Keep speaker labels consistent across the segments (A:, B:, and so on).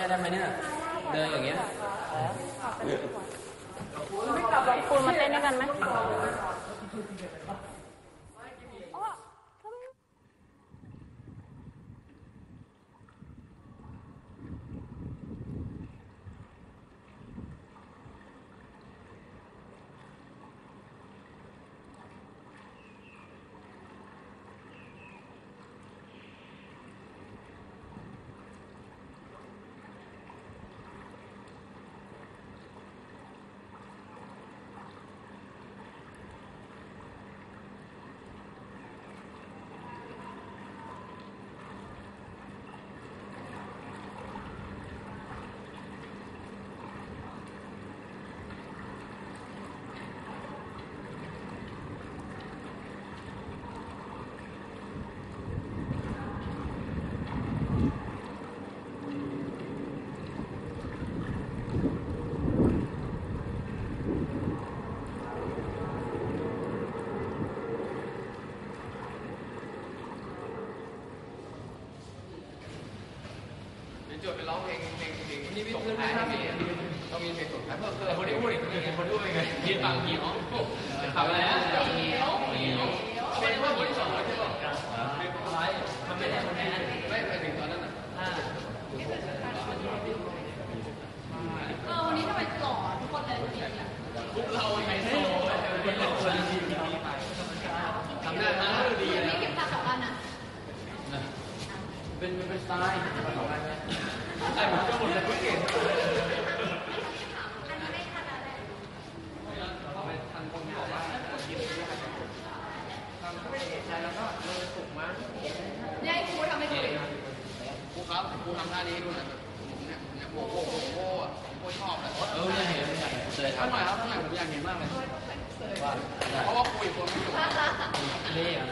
A: ได้ไหมเนี่ยเดินอย่างเงี้ย
B: คุณมาเต้นด้วยกันไหม
C: จดไปร้องเพลงนี่ส่งท้ายให้มีต้องมีเพลงส่งท้ายเพิ่มคนที่พูดอีกคนด้วยไงยืนฟังหิวทำอะไรนะหิวเป็นว่าคนที่สองใช่ป่ะอะไรมันไม่ได้คนนั้นไม่ไปถึงตอนนั้นนะ
B: วันนี้ทำไมหล่อทุกคนเลย
C: พวกเราไฮโซเป็นคนดีไปทำได้มาดีแล้ว
B: เก็บตาสองอันอ่ะ
C: เป็นสไตล์มาสองอันไหมไอ้ผมก็หมดเลยเก่งทันคนบอกว่าทำไม่เอกใจแล้วก็เลยสุกมาก
B: ยายครูทำไม่ถูก
C: ครูครับครูทำท่านี้ดูหน่อยเนี่ยโบชอบเลย
A: เนี่ยเห็นเลย
C: ท่านหน่อยครับท่านหน่อยผมอยากเห็นมากเลยเพราะว่าคุยคนไม่อยู่
A: นี่อ่ะ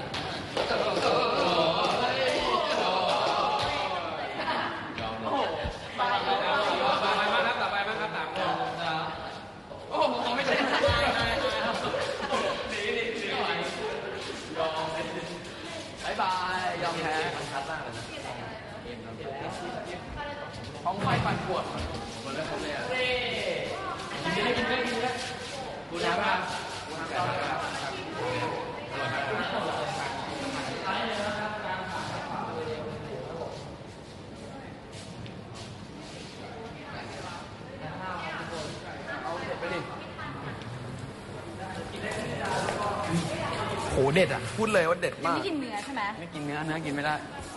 C: ท้องไฟปั่นปวดหมดแล้วผมเลยอ่ะกินได้กูน้ำครับเอาเสร็จไปดิโหเด็ดอ่ะพูดเลยว่าเด็ดมาก
B: ไม่กินเนื้อใช่ไหม
C: ไม่กินเนื้อกินไม่ได้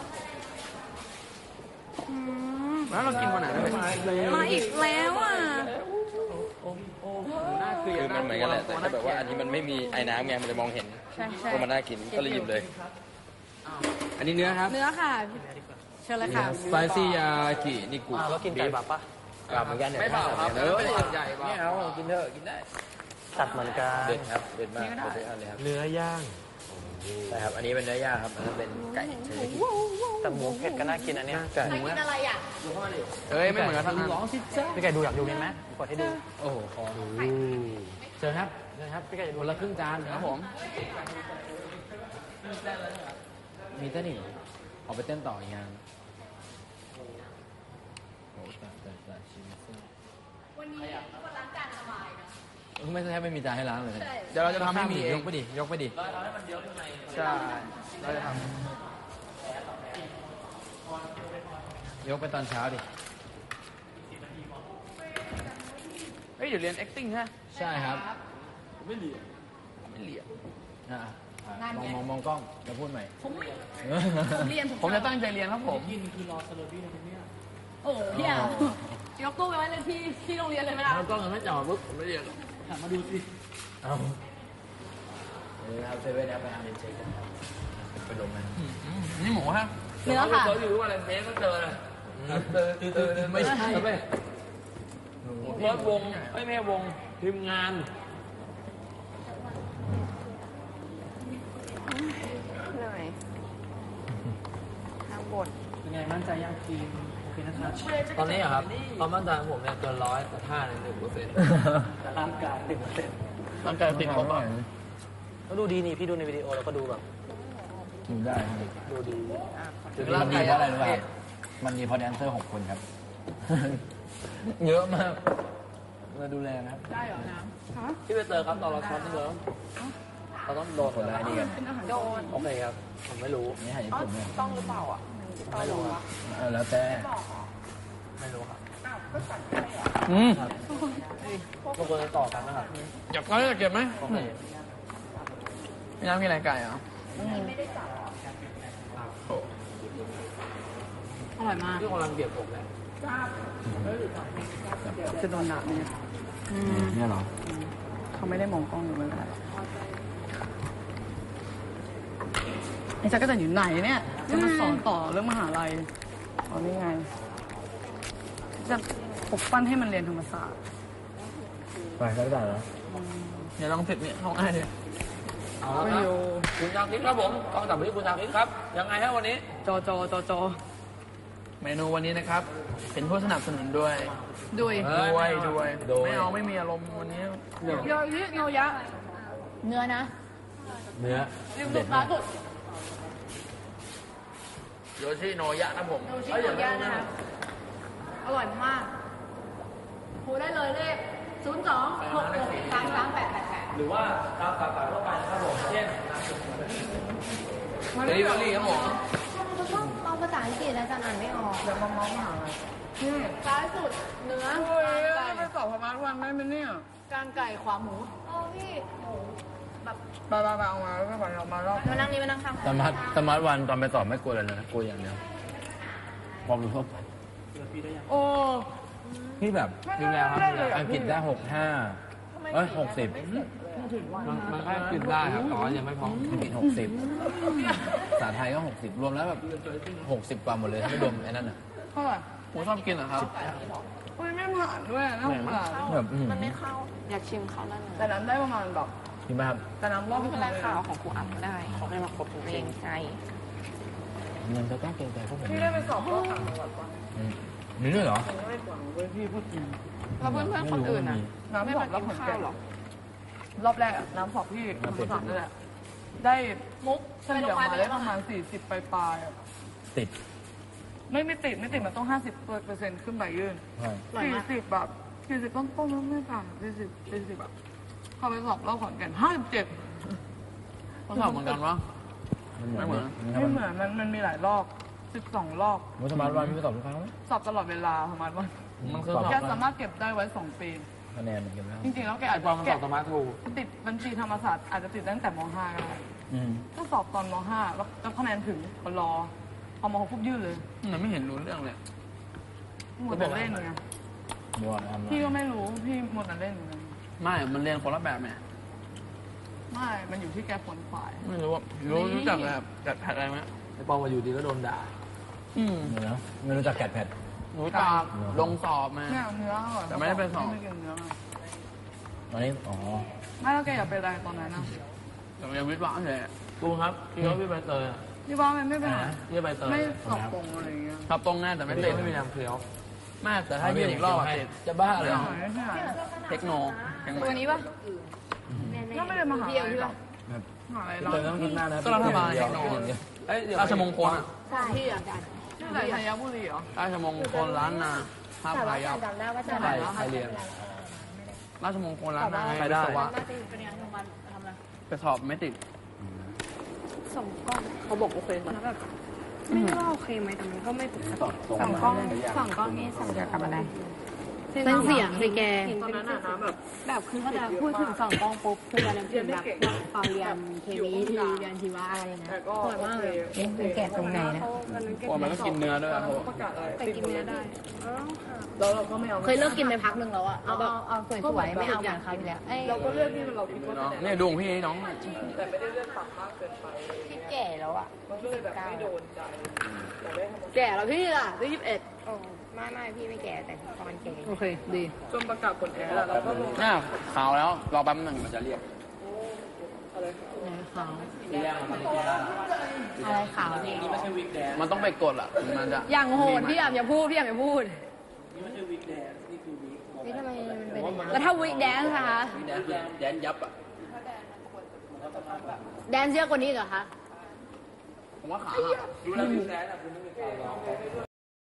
C: แล้วเรากินวันไหน
B: มาอีกแล้วอ่ะ
A: คือมันเหมือนกันแหละแต่แบบว่าอันนี้มันไม่มีไอ้น้ำไงมันเลยมองเห็นว่ามันน่ากินก็เลยหยิบเลยอันนี้เนื้อครับ
B: เนื้อค่ะเชิญเลยค่ะ
A: สไปซี่ยากินิกุ
C: แล้วกินไก่แบบปะ
A: แบบเหมือนกัน
C: ไม่เปล่าครับใหญ่
A: ไม่เอากินเถอะกินได้
C: ตัดเหมือนกัน
A: เด็ดครับเด็ดมากเด็ดอะไรครับ
C: เนื้อย่าง
A: ใช่ครับอันนี้เป็นเนื้อย่างครับอันนั้นเป็นไก่เฉย
C: แต่หมูเผ็ดก็น่ากินอันนี้ไก่
B: กินอะไรอ่ะ
C: ไม่เหมือนกันร้องสิจ๊ะพี่ไก่ดูอยากดูไหมกดให้ดู
A: โอ้โหคอเชิญครับ
C: พี่ไก่
A: คนละครึ่งจาน
C: ครับผม
A: มีเต้นอีกออกไปเต้นต่ออีกงาน
B: วันนี้คนล้างจานสบายนะ
A: ไม่ใช่ไม่มีจานให้ล้างเลย
C: เดี๋ยวเราจะทำให้มี
A: ยกไปดิ
C: เราทำให้มันเยอะขึ้นในใช่เราจะทำ
A: ยกไปตอนเช้าดิ
C: เดี๋ยวเรียน acting ฮะ
A: ใช่ครับ
C: ไม่เหลี่ย
A: มองกล้องจะพูดใหม่
B: ผมเรียน
C: ผมจะตั้งใจเรียนครับผม
A: ยินคือรอสโลบี้ในนี้
B: โอ้พี่อ่ะยกตู้ไปไว้เลยที่โรงเรียนเลยไหมล่ะ
A: กล้องยังไม่จ่อปุ๊บผมไม่เรียน
C: ถามมาดูสิ
A: เอาครับเซเว่นไปทำเรียนเช็คกันครับไปลงมัน
C: นี่หมูฮะ
B: เนื้อค่ะ
C: เราอยู่ว่าอะไรเมสก็เจอเลย
A: ไม่ใช่
C: เพิร์ดวงไม่แม่วงทีมงาน
B: เหนื่อยทางบท
C: เป็นไงมั่นใจยังทีมโอเคนะครับ
A: ตอนนี้ครับความมั่นใจของผมเนี่ยเกิน100แต่ท่าเนี่ย1%
C: แต่ร่างกาย1%ร่างกายติดลบอ่ะก็ดูดีนี่พี่ดูในวิดีโอแล้วก็ดูแบบ
A: ดูได้
C: ดูดี
A: มันดีเพราะอะไรรู้ป่ะมันดีเพราะแดนเซอร์6 คนครับเยอะมากมาดูแลนะครับ
B: ได้เหรอน้ำฮะ
C: พี่ไปเตอร์ครับตอนเราช้อนที่เราต้องโดน
A: คนละนี่กัน
B: เป็นอาหาร
C: โดนโอเคครับผมไม่รู้
A: นี่หายญี่ปุ่นเนี่ย
B: ต้องหรือเปล่าอ่ะ
C: ไม่รู้ครับ
A: แล้วแต่
C: ไม่รู้ครับ
A: อืม
C: บางคนจะต่อกันนะครับ
A: อยากเก็บไหม
C: โอเค
A: พี่น้ำมีอะไรไก่เหรอ
B: อร่อยมาก
C: ที่กำลังเบียดผมแหละ
B: จะโดนหนักเนี่ย
A: เนี่ยเหรอ
B: เขาไม่ได้มองกล้องหรืออะไรไอ้จักรจันทร์อยู่ไหนเนี่ยจะมาสอนต่อเรื่องมหาลัยอ๋อนี่ไง จะปลุกปั้นให้มันเรียนธรรมศาสตร์
A: ไปก็ได้แล้ว
D: เดี๋ยวลองผิดเนี่ยห้องอ้ายดิ
C: เอาละครับคุณชาคิดครับผมต้องกลับไปที่คุณชาคิดครับ ยังไงฮะวันนี้
B: จอจอจอจอ
D: เมนูวันนี้นะครับ เป็นผู้สนับสนุนด้วย
B: ด้วย
D: ไม่เอาไม่มีอารมณ์วันนี้
B: โยยิโนยะ เนื้อนะ
A: เนื้อ
B: ริมสุดร้านสุด
D: โยชิโนยะนะผม
B: โยชิโนยะนะคะอร่อยมากโทรได้เลยเลข02-663-3888
C: หรือว่าตามสาขาทั่วไปนะครับผมเช่น
D: เดลิเวอรี่ครับผม
E: เขาชอบเอาภาษาอังกฤษแล้วจะอ่านไม่ออก
B: เดี๋ยวมองหานี่ซ้ายสุดเนื้อ
D: เฮ้ย
B: ไก่
D: ไปสอบพมาทุกวันได้ไหมเนี่ย
B: กางไก่ขวาหมู
E: โอ้พี่โอ้แบบ
D: ไปเอามาแล้วก็ไปเอามารอบ
E: มานั่งนี่มานั่งข้าง
A: สมาร์ทวันตอนไปสอบไม่กลัวเลยนะกลัวอย่างเดียวความรู้ทั่วไป
B: โอ้
A: พี่แบบ
C: ดูแลครับดูแล
A: อังกฤษได้6560
C: มันแค่กินได้ครับแต่ว่ายังไม่พอ
A: อังกฤษ60ภาษาไทยก็60รวมแล้วแบบ60กว่าหมดเลยถ้าไม่รวมไอ้นั่นอ่ะ
B: เท่าไหร่
D: ผมชอบกินเหรอครับ
B: โอ้ยไม่ผ่านด้วยน่าสงสาร
A: แบบ
E: มันไม่เข้า อยากชิมเขาแล้วนะ
B: แต่น้ำได้ประมาณแบบ
A: คิดไหมครับ
B: แต่น้ำรอบ
E: ไม่
B: ไม่
E: เป็
B: เป็น น
E: ไร
B: ไร
E: ข่า
B: ค่ะ
E: วของครูอัพก็ได้เขาไม่มาครบเกรงใจ
A: มันจะต้องเกรงใจพวกผม
B: พี่ได้ไปสอบรอบต่างจังหวัดปะ
A: มีด้วยเหรอ
B: ยังไม่กว่าเว้ยพี่พูดจริง
E: แล้วเพื่อนๆคนอื่นอ่ะ
B: น้ำสอบรอบผลแก่รอบแรกอะน้ำสอบพี่ธรรมศาสตร์นั่นแหละได้มุกเฉลี่ยมาได้ประมาณ40ปลายๆอะ
A: ติด
B: ไม่ติดมันต้อง50%ขึ้นไปยื่น
A: ใช่
B: 40แบบ40ต้นๆแล้วไม่ผ่าน40แบบเข้าไปสอบรอบขอนแก่น57
D: เขาสอบเหมือนกันวะ ไม่เหมือน
B: ไม่เหมือนมันมีหลายรอบ12รอบ
A: มุสมาร์ทวันพี่ไปสอบทุกครั้งไหม
B: สอบตลอดเวลาประมาณว่า
D: มันคือ
A: สอบ
B: แกสามารถเก็บได้ไว้2 ปี
A: คะแนนเก็บแล้ว
B: จริงๆแล้วแก
C: ไอ
B: อาจ
C: ปอ
B: จะ
C: มมัน
B: แก
C: สอบสมาร์ททู
B: ติดบัญชีธรรมศาสตร์อาจจะติดตั้งแต่ม .5 ก็ได้ ก็สอบตอนม .5 แล้วคะแนนถึงก็รอพอม .6 ปุ๊บยื่นเลย
D: มันไม่เห็นรู้เรื่องเลย
B: หมดแต่เล่นไง
A: บัวทำ
B: พี่ก็ไม่รู้พี่หมดแต่เล่นเหมือนกัน
D: ไม่ มันเรียนคนละแบบเนี่ย
B: ไม่มันอยู่ที่แกผลฝ่าย
D: ไม่รู้ว่ารู้จักแบบจัดแพทอะไรไหม
C: ไอปอมมาอยู่ดีก็โดนด่า
A: เนื้อไม่รู้จักแกดแพด
D: รู้จักลงสอบมา
B: เนี่ยเนื้ออร่อย
D: แต่ไม่ได้ไปสอบ
B: ไม่กินเนื้อไง
A: ตอนนี้อ๋อ
B: ไม่แล้วแกอยากเป็นอะไรตอนนั้นนะ
D: แต่ยังวิทย์วะเฉย
C: กูครับพี่ว่าพี่ใบเตยอ่ะ
B: พี่ว่ามันไม่เป็นไร
C: พี่ใบเตย
B: ไม่สอบตรงอะไรอย่างเงี้ย
D: ครับตรงแน่แต่ไม่
C: ไม่
D: ติด
C: ไม่มีน้ำเคี้ยว
D: มากแต่ถ้ายื่นอีกรอบอะติด
A: จะบ้าเลย
B: ไม่ใช่
D: เทคโนยัง
E: ตัว
D: ไม่
E: นี้ปะ
B: ก็ไม่ได้มาหาอะไรหรอกมหาอะไรหรอก
A: เตยต้องกินมากนะ
D: ก็รัฐบาลเทคโน
C: เอ้ยเดี๋ยว
D: ราชมงคลอะ
E: ใช่ที่อ่ะ
B: ที่ไหนธัญบุรีเหรอ
D: ราชมงคลล้านนาภาพ
E: แต่
D: พา
E: ว่า
D: ยัพ
E: จำได้ว่าจะ
C: ใครใครเรียน
D: ราชมงคลล้านนา
C: ใครได้
D: วิศวะ
B: เป็นยังไงของมันทำอะไร
D: ไปสอบไม่ติด
E: ส่งกล้อง
B: เขาบอกโอเคนะ
E: แล้วแบบไม่รู้ว่าโอเคไหมแต่มันก็ไม่ปกติส่องกล้องนี่ส่องเกี่ยวกับอะไรเส้นเสียงสิแก
B: ตอนนั้นน่ะนะแบบ
E: แบบคือถ้าจะพูดถึงส่องกล้องปุ๊บคือจะนึกถึงแบบตอนเรียนเคมีที่เรียนชีวะอะไรนะ
B: แต่ก็
E: สวยมากเลยมันแกะตรงไหนนะ
D: กลัวมันก็กินเนื้อด้วยครับผม
B: ประกาศอะไร
E: แต่กินเนื้อได้
B: แล้วเราก็ไม่เอา
E: เคยเลิกกินไปพักหนึ่งแล้วอะเอาสวยๆไม่เอาเหมือนคราวที่แล้ว
B: เราก็เลือกที่เราคิดว่า
D: น้องเนี่ยดูของพี่น้อง
B: แต่ไม่ได้เลือกต่ำมากเกินไป
E: ที่แก่แล้วอะ
B: มันก็เลยแบบไม่โดนใจแต่ได้ทำ
E: แก่แล้วพี่ล่ะได้21โอ้ไม่พี่ไม่แก่แต่ตอนแก่
B: โอเคดีจนประกาศผลแอร์แล้วเราก็ลง
D: น่าขาวแล้วรอแป๊บหนึ่งมันจะเรียก
B: อะไร
E: ขาว
C: ที่แรกมันไม่ได้
E: อะไรขาวเนี่ย
C: นี่ไม่ใช่วิกแดน
D: มันต้องไปกดอ่ะถึงมันจะ
E: อย่างโหดพี่อย่าพูดพี่อย่าพูด
C: นี่ไม่ใช่วิกแดนนี่คือวิก
E: นี่ทำไมมันเป็นแล้วถ้าวิกแดนซ์นะคะ
C: วิกแดนคือแดนยับอ่ะ
E: แดนซ์เยอะกว่านี้เหรอคะ
D: ผมว่าขา
C: ดูแล้ววิกแดนอ่ะคุณไม่มีใครร้อง